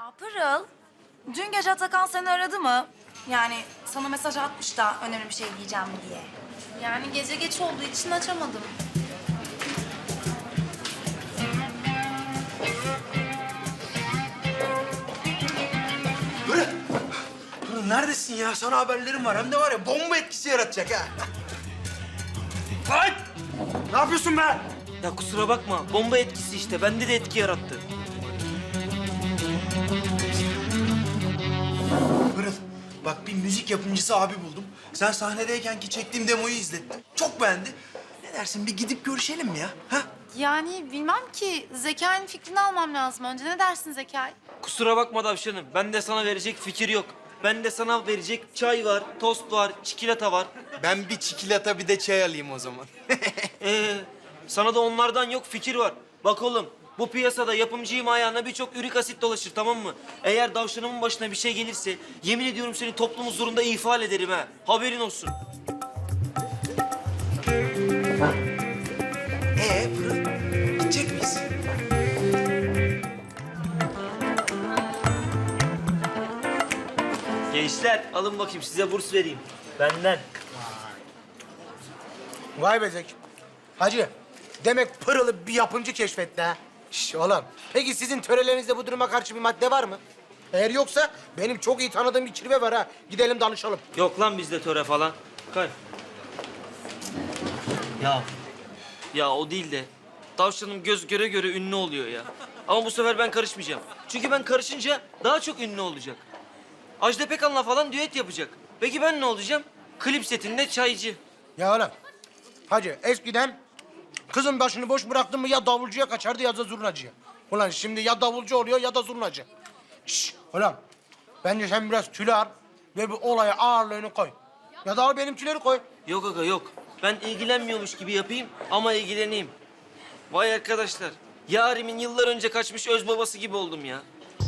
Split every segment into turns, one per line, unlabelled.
Ya Pırıl, dün gece Atakan seni aradı mı? Yani sana mesaj atmış da önemli bir şey diyeceğim diye.
Yani gece geç olduğu için açamadım.
Pırıl! Pırıl neredesin ya? Sana haberlerim var. Hem de var ya bomba etkisi yaratacak ha. Lan! Ne yapıyorsun be?
Ya kusura bakma, bomba etkisi işte. Bende de etki yarattı.
Pırıl, bak bir müzik yapımcısı abi buldum. Sen sahnedeyken ki çektiğim demoyu izlettim. Çok beğendi. Ne dersin bir gidip görüşelim mi ya? Ha?
Yani bilmem ki. Zekai'nin fikrini almam lazım önce. Ne dersin Zekai?
Kusura bakma Davşanım. Bende sana verecek fikir yok. Bende sana verecek çay var, tost var, çikolata var.
Ben bir çikolata bir de çay alayım o zaman.
Sana da onlardan yok, fikir var. Bak oğlum, bu piyasada yapımcıyım ayağına birçok ürik asit dolaşır, tamam mı? Eğer Davşanımın başına bir şey gelirse, yemin ediyorum seni toplum huzurunda ifade ederim ha. Haberin olsun.
Pırıl, gidecek miyiz?
Gençler, alın bakayım size burs vereyim. Benden.
Vay be Zeki. Hacı, demek Pırıl'ı bir yapımcı keşfetti ha. Şş oğlum, peki sizin törelerinizde bu duruma karşı bir madde var mı? Eğer yoksa benim çok iyi tanıdığım bir kirve var ha. Gidelim danışalım.
Yok lan bizde töre falan. Kay. Ya o değil de Tavşanım göz göre göre ünlü oluyor ya. Ama bu sefer ben karışmayacağım. Çünkü ben karışınca daha çok ünlü olacak. Ajda Pekkan'la falan düet yapacak. Peki ben ne olacağım? Klip setinde çaycı.
Ya oğlum, hacı eskiden kızın başını boş bıraktın mı ya davulcuya kaçardı ya da zurnacıya. Ulan şimdi ya davulcu oluyor ya da zurnacı. Şş oğlum, bence sen biraz kilo al ve bu olaya ağırlığını koy. Ya da al benimkileri koy.
Yok aga yok. Ben ilgilenmiyormuş gibi yapayım ama ilgileneyim. Vay arkadaşlar. Yarimin yıllar önce kaçmış öz babası gibi oldum ya.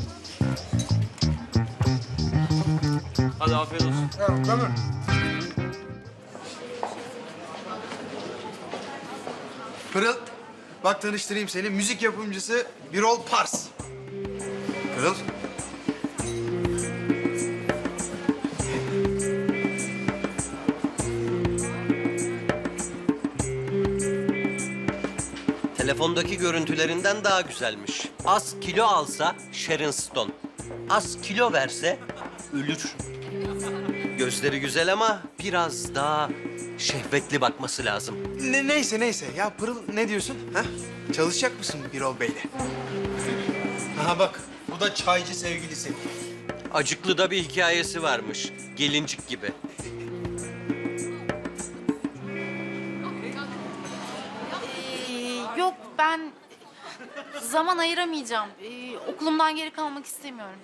Hadi afiyet olsun.
Ya, tamam.
Pırıl, bak tanıştırayım seni. Müzik yapımcısı Birol Pars. Pırıl.
Telefondaki görüntülerinden daha güzelmiş. Az kilo alsa Sharon Stone. Az kilo verse ölür. Gözleri güzel ama biraz daha şehvetli bakması lazım.
Neyse. Ya Pırıl ne diyorsun? Ha? Çalışacak mısın Birol Bey'le? Aha bak, bu da çaycı sevgilisi.
Acıklı da bir hikayesi varmış. Gelincik gibi.
Yok ben zaman ayıramayacağım. Okulumdan geri kalmak istemiyorum.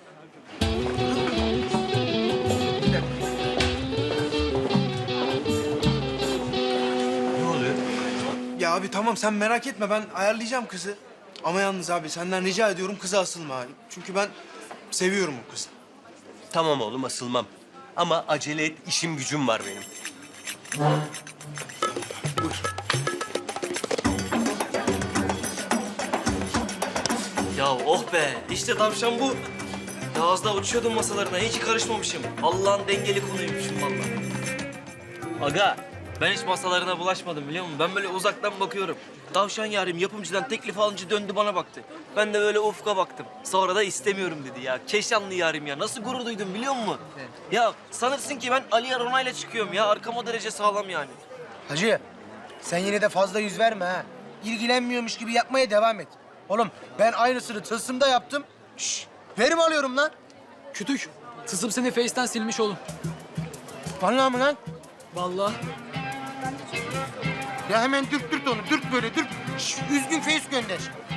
Ne oluyor? Ya abi tamam sen merak etme, ben ayarlayacağım kızı. Ama yalnız abi senden rica ediyorum kıza asılma. Çünkü ben seviyorum o kızı.
Tamam oğlum asılmam. Ama acele et, işim gücüm var benim.
Ya oh be, işte tavşan bu. Ya az daha uçuyordum masalarına, hiç karışmamışım. Allah'ın dengeli konuymuşum vallahi. Aga, ben hiç masalarına bulaşmadım biliyor musun? Ben böyle uzaktan bakıyorum. Tavşan yarim yapımcıdan teklif alınca döndü bana baktı. Ben de böyle ufka baktım. Sonra da istemiyorum dedi ya. Keşanlı yarim ya. Nasıl gurur duydum biliyor musun? Ya sanırsın ki ben Ali Arona'yla çıkıyorum ya. Arkam o derece sağlam yani.
Hacı, sen yine de fazla yüz verme ha. İlgilenmiyormuş gibi yapmaya devam et. Oğlum ben aynısını tılsımda yaptım. Şş, verim alıyorum lan.
Kütük, tızım seni Face'ten silmiş oğlum.
Vallahi mı lan?
Vallahi.
Ya hemen dürt onu, dürt böyle dürt. Şş, üzgün face gönder.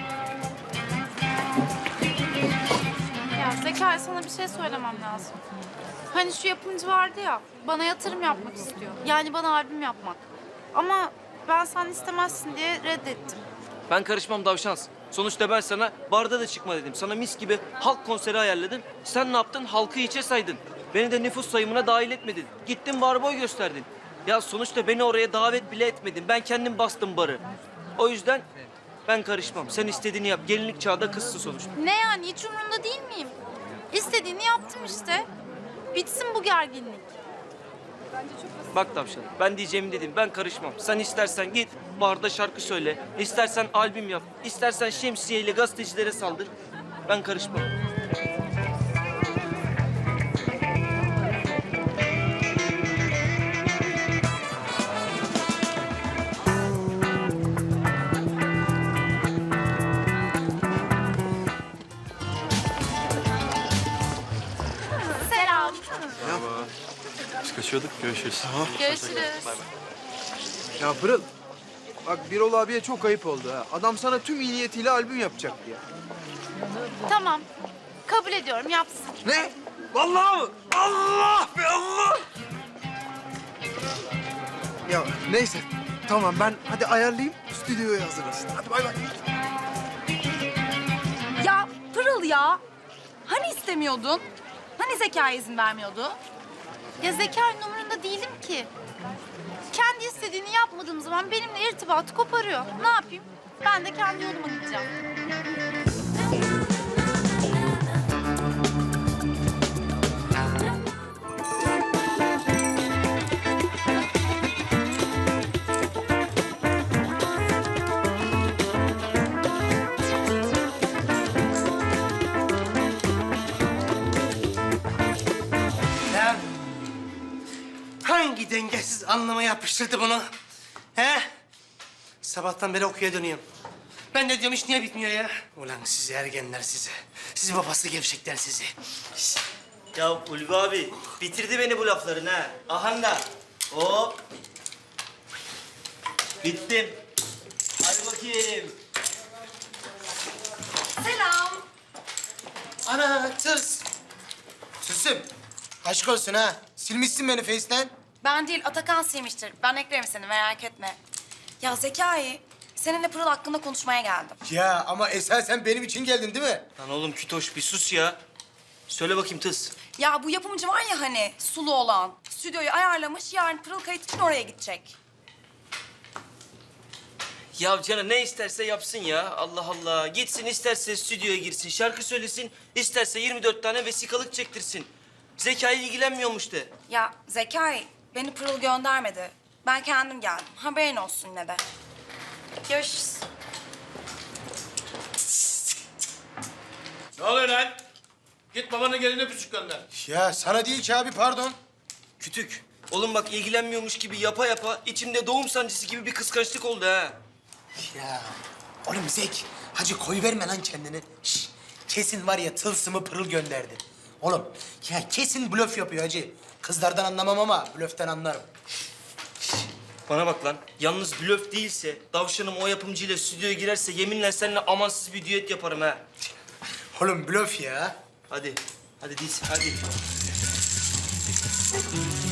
Ya Zekai sana bir şey söylemem lazım. Hani şu yapımcı vardı ya, bana yatırım yapmak istiyor. Yani bana albüm yapmak. Ama ben sen istemezsin diye reddettim.
Ben karışmam Davşans. Sonuçta ben sana barda da çıkma dedim. Sana mis gibi halk konseri ayarladım. Sen ne yaptın? Halkı hiçe saydın. Beni de nüfus sayımına dahil etmedin. Gittin bar boy gösterdin. Ya sonuçta beni oraya davet bile etmedin. Ben kendim bastım barı. O yüzden ben karışmam. Sen istediğini yap. Gelinlik çağda kızsın sonuçta.
Ne yani hiç umurunda değil miyim? istediğini yaptım işte. Bitsin bu gerginlik.
Bak tavşan, ben diyeceğimi dedim. Ben karışmam. Sen istersen git barda şarkı söyle. İstersen albüm yap. İstersen şemsiyeyle gazetecilere saldır. Ben karışmam.
Selam.
Biz kaçıyorduk. Görüşürüz.
Görüşürüz.
Ya Pırıl, bak Birol abiye çok ayıp oldu ha. Adam sana tüm iyi niyetiyle albüm yapacaktı ya.
Tamam. Kabul ediyorum yapsın.
Ne? Vallahi mı? Allah be Allah! Ya neyse, tamam ben hadi ayarlayayım, stüdyoyu hazırlasın. Hadi bay bay.
Ya Pırıl ya. Hani istemiyordun? Hani Zekai izin vermiyordu?
Ya Zekai umurunda değilim ki. Kendi istediğini yapmadığım zaman benimle irtibatı koparıyor. Ne yapayım? Ben de kendi yoluma gideceğim.
Ya hangi dengesiz anlama yapıştırdı bunu? He? Sabahtan beri okuya dönüyorum. Ben de diyorum iş niye bitmiyor ya? Ulan sizi ergenler sizi. Sizi babası gevşekler sizi.
Ya Ulvi abi, bitirdi beni bu lafların ha. Ahanda. Hop. Bittim. Hadi bakayım.
Selam.
Ana tırs. Süsüm. Aşk olsun ha. Silmişsin beni Face'ten.
Ben değil, Atakan silmiştir. Ben eklerim seni, merak etme. Ya Zekai, seninle Pırıl hakkında konuşmaya geldim.
Ya ama esasen benim için geldin değil mi?
Lan oğlum kütoş bir sus ya. Söyle bakayım Tıs.
Ya bu yapımcı var ya hani, sulu olan. Stüdyoyu ayarlamış, yarın Pırıl kayıt için oraya gidecek.
Ya canı ne isterse yapsın ya. Allah Allah. Gitsin isterse stüdyoya girsin, şarkı söylesin. İsterse 24 tane vesikalık çektirsin. Zekai ilgilenmiyormuş de.
Ya Zekai, beni Pırıl göndermedi. Ben kendim geldim. Haberin olsun yine de. Görüşürüz.
Ne oluyor lan? Git babanın geline küçük gönder.
Ya sana değil ki abi pardon.
Kütük. Oğlum bak ilgilenmiyormuş gibi yapa yapa içimde doğum sancısı gibi bir kıskançlık oldu ha.
Ya oğlum Zek, hacı koyuverme lan kendini. Şş, kesin var ya tılsımı Pırıl gönderdi. Oğlum ya kesin blöf yapıyor hacı. Kızlardan anlamam ama blöften anlarım.
Bana bak lan. Yalnız blöf değilse, davşanım o yapımcıyla stüdyoya girerse yeminle seninle amansız bir düet yaparım ha.
Oğlum blöf ya.
Hadi. Hadi değilsin hadi.